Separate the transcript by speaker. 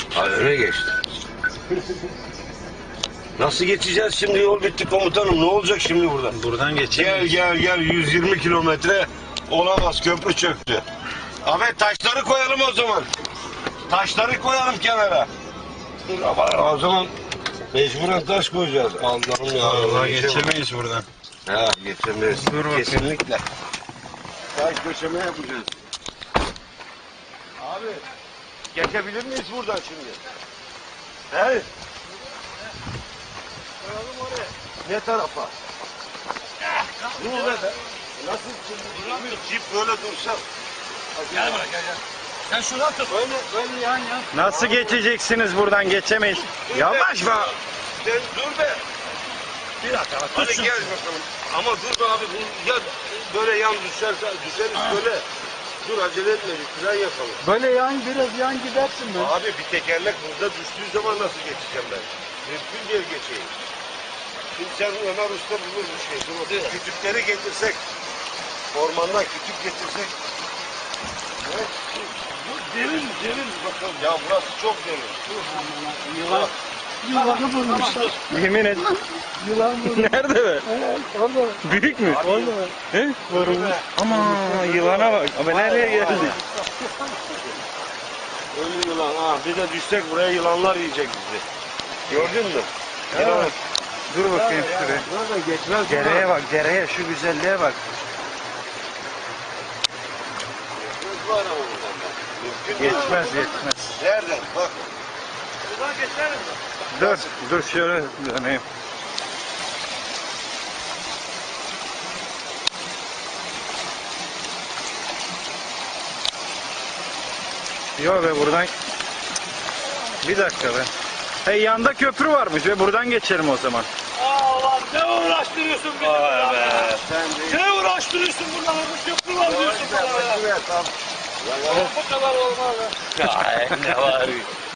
Speaker 1: Ha, öne geçti. Nasıl geçeceğiz şimdi? Yol bitti komutanım. Ne olacak şimdi buradan?
Speaker 2: Buradan
Speaker 1: Gel
Speaker 2: geçemeyiz.
Speaker 1: gel gel. 120 kilometre olamaz. Köprü çöktü. Ahmet taşları koyalım o zaman. Taşları koyalım kenara. Ama o zaman mecburen taş koyacağız. Allah'ım ya.
Speaker 2: Vallahi
Speaker 1: geçemem.
Speaker 2: geçemeyiz buradan.
Speaker 1: Ha geçemeyiz.
Speaker 2: Dur bakayım.
Speaker 1: Kesinlikle. Taş döşeme yapacağız. Abi geçebilir miyiz buradan şimdi? He? Koyalım oraya. Ne tarafa? Ne oluyor be? Nasıl şimdi? Bir cip böyle dursa. Gel bana gel.
Speaker 3: Sen şuradan tut. Böyle yan yan.
Speaker 2: Nasıl geçeceksiniz buradan? Geçemeyiz. Yavaş be.
Speaker 1: Sen dur be.
Speaker 3: Bir dakika.
Speaker 1: Hadi
Speaker 3: Tut şunu.
Speaker 1: gel bakalım. Ama dur be abi. Bu ya böyle yan düşerse düşeriz böyle. Dur acele etme bir fren yapalım.
Speaker 3: Böyle yan biraz yan gidersin be.
Speaker 1: Abi bir tekerlek burada düştüğü zaman nasıl geçeceğim ben? Mümkün değil geçeyim. Şimdi sen Ömer Usta bulur bir şey. Dur bakayım. Kütükleri getirsek. Ormandan kütük getirsek. Ne? Derin bakalım. Ya burası çok derin.
Speaker 3: Yılanı bulmuşlar.
Speaker 2: Yemin et.
Speaker 3: Yılan bulmuşlar.
Speaker 2: Nerede be?
Speaker 3: Evet, orada.
Speaker 2: Büyük mü?
Speaker 3: Orada.
Speaker 2: He? Ama yılana bak. Ama nereye geldik?
Speaker 1: Ölü yılan. Ha, bir de düşsek buraya yılanlar yiyecek bizi. Gördün mü? Yılan.
Speaker 2: Dur bakayım şuraya.
Speaker 1: Burada geçmez.
Speaker 2: Dereye bak, dereye. Şu güzelliğe bak.
Speaker 1: Geçmez bu araba buradan. Mümkün değil.
Speaker 2: Geçmez, geçmez.
Speaker 1: Nereden? Bak.
Speaker 3: Buradan geçelim mi?
Speaker 2: Dur şöyle döneyim. Yok be buradan. Bir dakika be. Hey yanda köprü varmış ve buradan geçelim o zaman.
Speaker 3: Aa ne uğraştırıyorsun bizi
Speaker 1: Vay
Speaker 3: burada?
Speaker 1: be. Sen de.
Speaker 3: Ne uğraştırıyorsun burada? Bu köprü var diyorsun bana ya.
Speaker 1: Tamam.
Speaker 3: Bu kadar olmaz ya.
Speaker 1: Ne var?